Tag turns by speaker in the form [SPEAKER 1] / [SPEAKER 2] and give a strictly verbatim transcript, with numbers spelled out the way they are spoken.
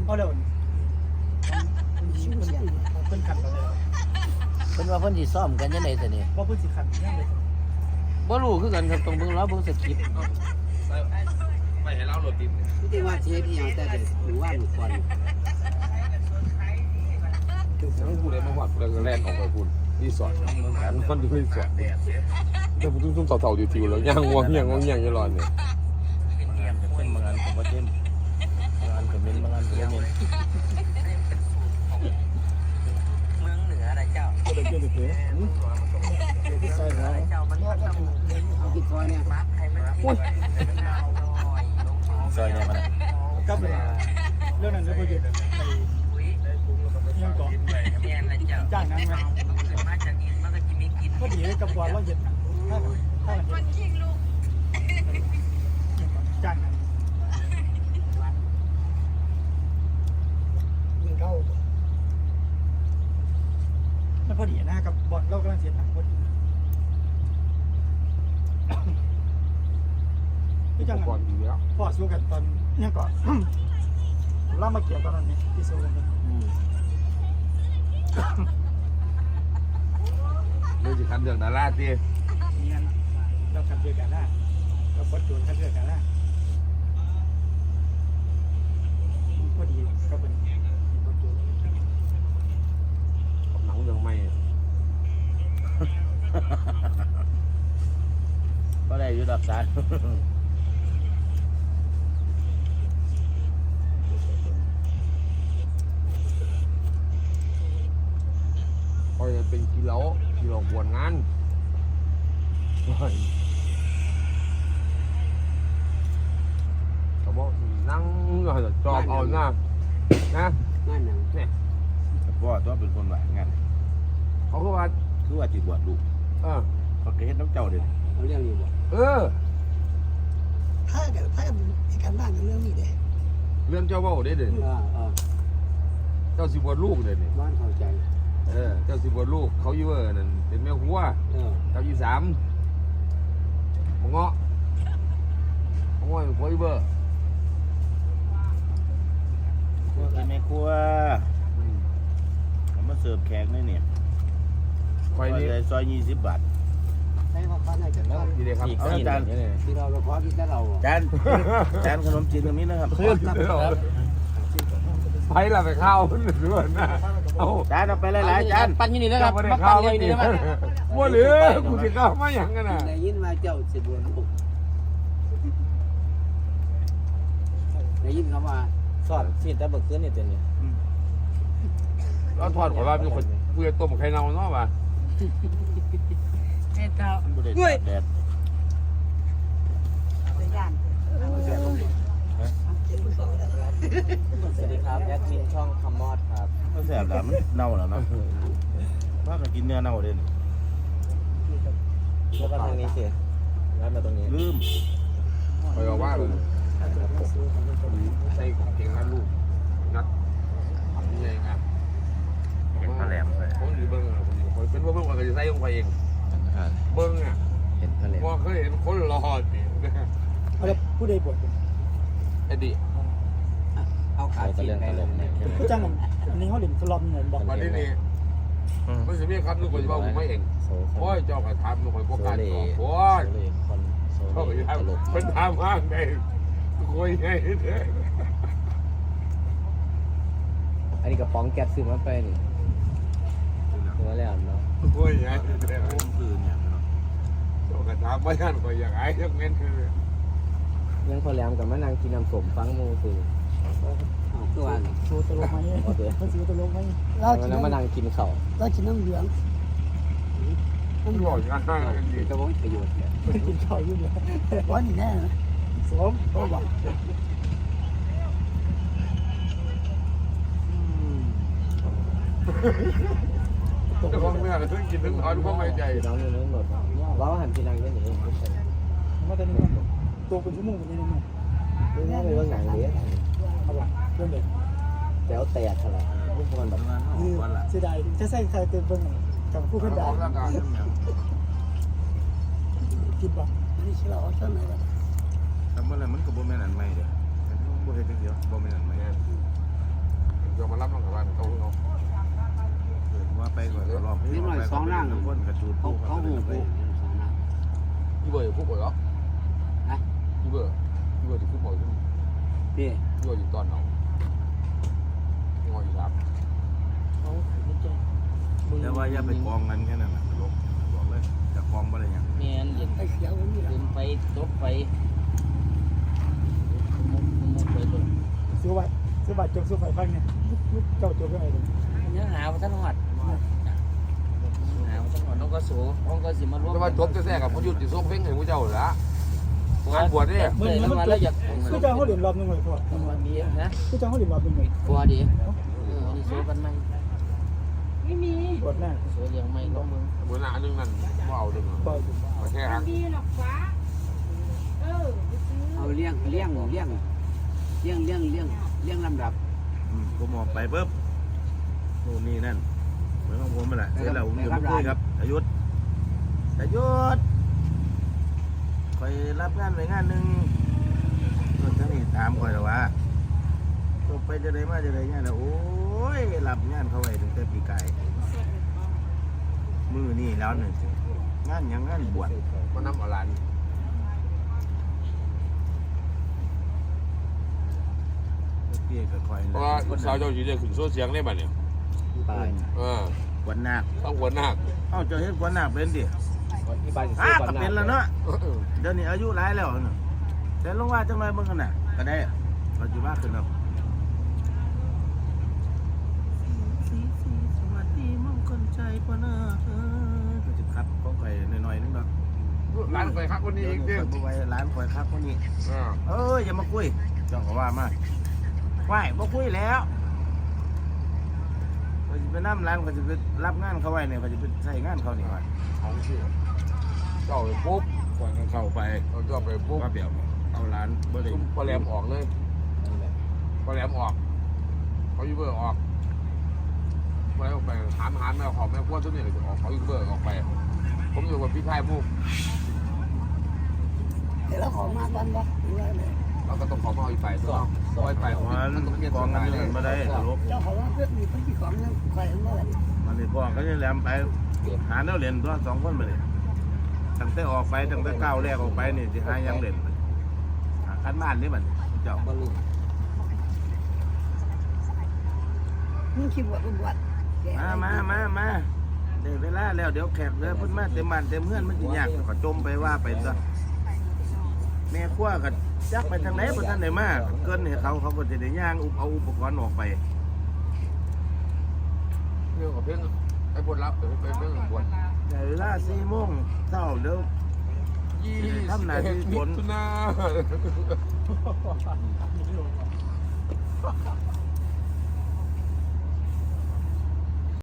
[SPEAKER 1] เอาเร็วเพิ่นขันกันเลย
[SPEAKER 2] เพิ่นว่าเพิ่นสิซ้อมกันยังไงแต่นี่
[SPEAKER 1] ว่าเพิ่นสิขันยังเลย
[SPEAKER 2] บ่รู้คือกันครับต้องเบิ่งล้อเบิ่งสคริปต์
[SPEAKER 3] ไม่ให้เล่าโรตีไม่ได้ว่าเชฟที่ยังแต่เด็กหรือว่าหนูก่อนแล้วกูเลยมาหอดแล้วก็แล่นออกไปคุณรีสอร์ทแผนมันอยู่รีสอร์ทแต่ผมซุ่มๆเต่าๆอยู่ๆแล้วย่างงวงย่างงวงย่างยี่ร้อนเนี่ย
[SPEAKER 2] เพิ่นบางอันก็บ่เต็มบางอันก็เม่นบางอันก็บ่เม่น
[SPEAKER 4] เมืองเหนืออะไรเจ้า
[SPEAKER 1] ก็เลยเกี่ยวกับเก๋ที่ใส่แล้ว
[SPEAKER 4] เจ้ามันก็ต้องเอากินซอยเนี่ยมัดใครไม่กิน
[SPEAKER 2] ซอยเนี่ยมัน
[SPEAKER 1] กับเลยเรื่องนั้นจะไปอยู่ในยังก่อน
[SPEAKER 4] แม่อะไรเจ้า
[SPEAKER 1] จ้างนั้นไหม
[SPEAKER 4] มาจากอินมันก็จะมีกิน
[SPEAKER 1] ก็ดีกับความว่าเย็นถ้าถ้ามันยิงลูกจ้างนั้นยิงเข้ามันพอดีนะกับบอลเรากำลังเสียหนักพอดีพี่จัง
[SPEAKER 3] ก่อนอยู่แล้ว
[SPEAKER 1] พอสู้กันตอนนี้ก่อนล่ามาเกี่ยวตอนนั้นนี่ที่สู้กัน
[SPEAKER 2] อืม
[SPEAKER 3] เรื่องสิคันเรื่องดาราตี
[SPEAKER 1] เนี่ยเราคัดเลือกกันได้เราบดจูนคัดเลือกกันได้พอดีก็เป็นบดจูน
[SPEAKER 3] หนังเรื่องไม่
[SPEAKER 2] ก็ได้อยู่ดอกสาร
[SPEAKER 3] คอยเป็นกิโลกิโลกวนงานเขาบอกนั่งจอบเอาหน้านะงานหนังเนี่ย
[SPEAKER 2] พ่อตัวเป็นคนว่างั้น
[SPEAKER 3] เขาก็ว่า
[SPEAKER 2] คือว่าสิบวชลูก
[SPEAKER 3] เออ
[SPEAKER 2] เขาก็เฮ็ดน้ำเจ้าเด้อ
[SPEAKER 4] เขาเรียกอยู่บ่
[SPEAKER 3] เออ
[SPEAKER 5] ถ้ากับถ้ากับอีกการบ้านกับเรื่องนี้เด้
[SPEAKER 3] เรื่องเจ้าเว่าได้เด่น
[SPEAKER 4] อ่าอ่า
[SPEAKER 3] เจ้าสิบวชลูกเด่นนี่
[SPEAKER 4] บ้านเข้าใจ
[SPEAKER 3] เออเจ้าสิบวชลูกเขาอยู่เออนั่นเป็นแม่หัว
[SPEAKER 4] เออ
[SPEAKER 3] เจ้ายี่สามมงเงาะมงเงาะเป็นหัวอีเบอร์
[SPEAKER 2] พวกเป็นแม่ครัวเอามาเสิร์ฟแขกนี่เนี่ย
[SPEAKER 3] ไฟ
[SPEAKER 2] ซอย
[SPEAKER 3] นี่
[SPEAKER 2] ซอยยี่สิบบาท
[SPEAKER 4] ใช้ความบ้านไหนกันบ้าง
[SPEAKER 3] ดีเลยครับ
[SPEAKER 2] อีก
[SPEAKER 3] เอา
[SPEAKER 2] สี่
[SPEAKER 3] จาน
[SPEAKER 2] นี่เลย
[SPEAKER 4] ที่เราเราขอที่แต่เรา
[SPEAKER 2] จานจานขนมจีนตรงนี้นะครับ
[SPEAKER 3] ไฟละไปข้าวมันหรือว่านะเอา
[SPEAKER 2] จานเอาไปหลายๆจานปั้นอยู่นี่แล้วครับ
[SPEAKER 3] ไม่ได้
[SPEAKER 2] มา
[SPEAKER 3] ข้า
[SPEAKER 2] ปั้
[SPEAKER 3] วน
[SPEAKER 2] เลย
[SPEAKER 3] นี่
[SPEAKER 2] นี่นะ
[SPEAKER 3] ว่าเหลือกูจะข้าวมาอย่างกันน่ะ
[SPEAKER 4] ได้ยินมาเจ้าสิบวันลูกได้ยินเขาว่า
[SPEAKER 2] สอดสิแต่เบิกขึ้นนี่ตัวนี้
[SPEAKER 3] เราทอดของเราเป็นคนเพื่อต้มไข่เน่าเนาะป่ะ
[SPEAKER 4] เจ้าเจ้า
[SPEAKER 2] มันบ่ได้ตากแดด
[SPEAKER 4] สวัสดีครับแอดมินช่องคำมอดครับ
[SPEAKER 2] มันแสบแล้วมันเน่าแล้วเนาะว่ากันกินเนื้อเน่าเด่น
[SPEAKER 4] แล้วก็ทางนี้สิแล้วมาตรงนี้
[SPEAKER 2] ลืม
[SPEAKER 3] คอยว่าเลยใส่ของเก่งนั่นลูกนัดทำยังไงครับ
[SPEAKER 2] เห็นพะแหลมเลย
[SPEAKER 3] ผมดีเบิ้งอ่ะผมเป็นว่าเบิ้งว่าจะใส่ลงไปเองเบิ้งอ่ะ
[SPEAKER 2] เห็นพะแหลม
[SPEAKER 3] ว่าเคยเห็นคนรอสิ
[SPEAKER 1] เขาจะผู้ใดบท
[SPEAKER 3] ไอ้ดิ
[SPEAKER 4] เอาขา
[SPEAKER 2] เขาจะ
[SPEAKER 4] ชิ้น
[SPEAKER 2] เรื่อง
[SPEAKER 4] ไป
[SPEAKER 2] พะแหล
[SPEAKER 4] เลย
[SPEAKER 2] มเนี่ยใช่ไหม
[SPEAKER 1] ผู้จ้างอันนี้เขาเด่นสลอมเงินบอก
[SPEAKER 3] วันนี้นี่ไม่ใช่เมียครับลูกคนว่าผมไม่เอง
[SPEAKER 2] โซ่
[SPEAKER 3] โอ้ยเจ้ากระทำลูกคนพวกการต่อโอ้ย
[SPEAKER 2] คนโซ่
[SPEAKER 3] เขาไป
[SPEAKER 2] เล่
[SPEAKER 3] ท
[SPEAKER 2] ตลก
[SPEAKER 3] ำเป็นทำห้างไงคุยไงเนี่ย
[SPEAKER 4] อันนี้กระป๋องแก๊สซื้อมาไปนี่ซื้อมาแล้วเนาะ
[SPEAKER 3] คุยไงเนี่ย
[SPEAKER 2] โอ้มคือเนี่ยเนาะ
[SPEAKER 3] เจ้ากระทำไม่ทันก็อย่างไรเรื่องเงินคือ
[SPEAKER 4] ยังพอแหลมกับมะนางกินน้ำสมฟังมูคือตัว
[SPEAKER 1] โชว์ตลกไหมเขาซื้อตลกไหม
[SPEAKER 5] เรากิน
[SPEAKER 4] แล้ว
[SPEAKER 5] น้ำ
[SPEAKER 4] มะนางกินเข่า
[SPEAKER 5] เรากินน้ำเหลือง
[SPEAKER 3] ต้องหล่อยกันได้กันดี
[SPEAKER 4] จะว่าประโยชน์เนี่ย
[SPEAKER 1] กินข้าวยุ่งเลย
[SPEAKER 5] วันนี้แน่นะ
[SPEAKER 1] สวมโอ้บอก
[SPEAKER 3] เจ้าของเมื่อถึงกินถึงถอนความไม่ใจ
[SPEAKER 4] น้องอยู่นู้นหมดว่าหันพี่นางยังหนี
[SPEAKER 1] มาตอนนี้ตัวเป็นชั่วโมงเป็นยังไง
[SPEAKER 4] เรื่องนี้เป็นเรื่องหนังเลย
[SPEAKER 1] เอาบอกเรื่องเด็ก
[SPEAKER 4] แต่เอาแตกขนาดพวกคนแบบ
[SPEAKER 1] เสียดายจะใส่ใครเต็มเบิ้งกับผู้คนด่าคิดบอก
[SPEAKER 5] นี่ชิเราเอาช่วงไหนกัน
[SPEAKER 2] ทำเมื่อไรมันก็บ่แม่นอันใหม่เด้อบ่เฮ็ดจังเดียวบ่แม่นอันใหม่
[SPEAKER 3] เดี๋ยวมารับน้องกับบ้านเขาเขา
[SPEAKER 2] ว่าไปก่อนรอบนี้ไปสองนั่งคนกระจูด
[SPEAKER 4] เขาเขาหูกู
[SPEAKER 3] พี่เบอร์คู่บ่อยเหรอนะพี่เบอร์พี่เบอร์ที่คู่บ่อยขึ้น
[SPEAKER 4] พี่
[SPEAKER 3] พี่เบอร์อยู่ตอนไหนงออยู่ครับ
[SPEAKER 4] เขาไม่เจอ
[SPEAKER 2] แต่ว่าอย่าไปกองกันแค่นั้นนะลบบอกเลยจะกองอะไรอย่าง
[SPEAKER 4] แม่นเย็น
[SPEAKER 5] ไอ้เขียวนี่แหละ
[SPEAKER 4] เย็นไปตกไปมุกมุกไปเลย
[SPEAKER 1] ซื้อบัตรซื้อบัตรจงซื้อไฟฟังเนี่ยเจ้าตัวเป็นไงเลย
[SPEAKER 4] ยังหาว่าท่านหอดหาว่าท่านหอดน้องก็สูน้องก็สิมาร่วม
[SPEAKER 3] แต่ว่าจบจะแท้กับพยุทธ์ที่ส่งเพลงให้ผู้เจ้าเหรอการบวชเนี่ย
[SPEAKER 1] มันมันมันคือเจ้าเขาเหรียญรอบนึงเลยพ่อ
[SPEAKER 4] วันนี้นะ
[SPEAKER 1] คือเจ้าเขาเหรียญรอบนึงเลย
[SPEAKER 4] กลัวดิเออนี่โซกันไหม
[SPEAKER 5] ไม่มี
[SPEAKER 1] บวชหน้า
[SPEAKER 4] โซยังไม่ก็มึง
[SPEAKER 3] เหมือนอันนึงนั่นว่าเอาดึง
[SPEAKER 1] ปล่อย
[SPEAKER 3] มาแค่
[SPEAKER 5] ไม่
[SPEAKER 3] ฮะ
[SPEAKER 5] มีหรอกฟ้าเออไปซื้อ
[SPEAKER 6] เอาเลี้ยงเลี้ยงเลี้ยงเลี้ยงเลี้ยงเลี้ยงเลี้ยงลำดับ
[SPEAKER 2] ผมออกไปปุ๊บนู่นนี่นั่นเหมือนของผมนั่นแหละเสร็จแล้วผมอยู่มาคุยครับอายุทธอายุทธคอยรับงานไปงานหนึ่งส่วนท่านนี่ถามคอยแล้วว่าจบไปจะได้มาจะได้งานแล้วโอ้ยรับงานเขาไว้ตั้งแต่ปีกายมือนี่แล้วหนึ่งงานยังงานบวช
[SPEAKER 3] มันน้ำอรัน
[SPEAKER 2] เพี่ก็คอย
[SPEAKER 3] เพราะว่าสาวเจ้าจีได้ขึ้นโซ่เสียงได้ป่ะเนี่ย
[SPEAKER 4] ตาย
[SPEAKER 3] เออ
[SPEAKER 2] ขวัญนาค
[SPEAKER 3] ต้องหัวหน้า
[SPEAKER 2] เอ้าเจะเห็นขวัญนาคเป็นดิ
[SPEAKER 4] ที่บ้าน
[SPEAKER 2] อ้าก็เป็นแล้วเนาะเดี๋ยวนี้อายุหลายแล้วเนาะแต่ลงว่าจังไรเบิ่งกันน่ะก็ได้ปัจจุบันขึ้นแล้วสีสีสวัสดีมงคลใจกว่าน่าเออก็สิครับของข่อยหน่อยๆนึงดอก
[SPEAKER 3] ร้านไปครับคนนี้อีก
[SPEAKER 2] เดี๋
[SPEAKER 3] ดิ
[SPEAKER 2] ยวข่อยบ่ไว้ร้านข่อยครับคนนี้
[SPEAKER 3] อ่า
[SPEAKER 2] เอ้ยอย่ามาคุยเจ้าก็ว่ามาไหวบ่คุยแล้วข่อยสิไปนำร้านข่อยสิไปรับงานเขาไว้เนี่ยข่อยสิไปใช้งานเขานี่ว่า
[SPEAKER 3] ของชื่อเจ้าไปปุ๊บ
[SPEAKER 2] ข่อยก็เข้าไป
[SPEAKER 3] เราเจ้าไปปุ๊บ
[SPEAKER 2] ว่าเปียวเอาร้านบ่ได้
[SPEAKER 3] พอแหลมออกเลยพอแหลมออกเขายูเบอร์ออกไปออกไปหันหันแม่ขอแม่พวกตัวนี้เลยออกเขายูเบอร์ออกไป ผมอยู่กับพี่ชายมุก
[SPEAKER 5] เดี๋ยวเราขอมาตอนบ่หรือว่าไง
[SPEAKER 3] เราก็ต้องขอมาอีกไปตัวซอยไป
[SPEAKER 2] มันกองกันนี่บ่ได้ตลก
[SPEAKER 5] เจ้าของว่าเพื่อนมีคนที่ของนั่นใครเมื่อไหร่
[SPEAKER 2] มันนี่พ่อก็จะแหลมไปหาแนวเล่นตัวสองคนไปเลยตั้งแต่ออกไปตั้งแต่ก้าวแรกออกไปนี่สิหายังเล่นหาคันบ้านนี่บัดเจ้า
[SPEAKER 4] บอลลูน
[SPEAKER 5] มึงคิดบวชบวช
[SPEAKER 2] มามามามาได้เวลาแล้วเดี๋ยวแขกเด้อเพิ่นมาเต็มบ้านเต็มเฮือนมันสิยากก็จมไปว่าไปซะแม่ครัวก็จักไปทางไหนบ่ทันได้มาเกินให้เขาเขาก็จะได้ย่างอุปเอาอุปกรณ์ออกไป
[SPEAKER 3] เรื่องของเพื่อนไอ้บทรับเดี๋ยวไปเรื่องบท
[SPEAKER 2] แต่เวลาสี่โมงเช้าเดี๋ยว
[SPEAKER 3] ยี่
[SPEAKER 2] ทำหน้าที่ฝน
[SPEAKER 3] มิถุนา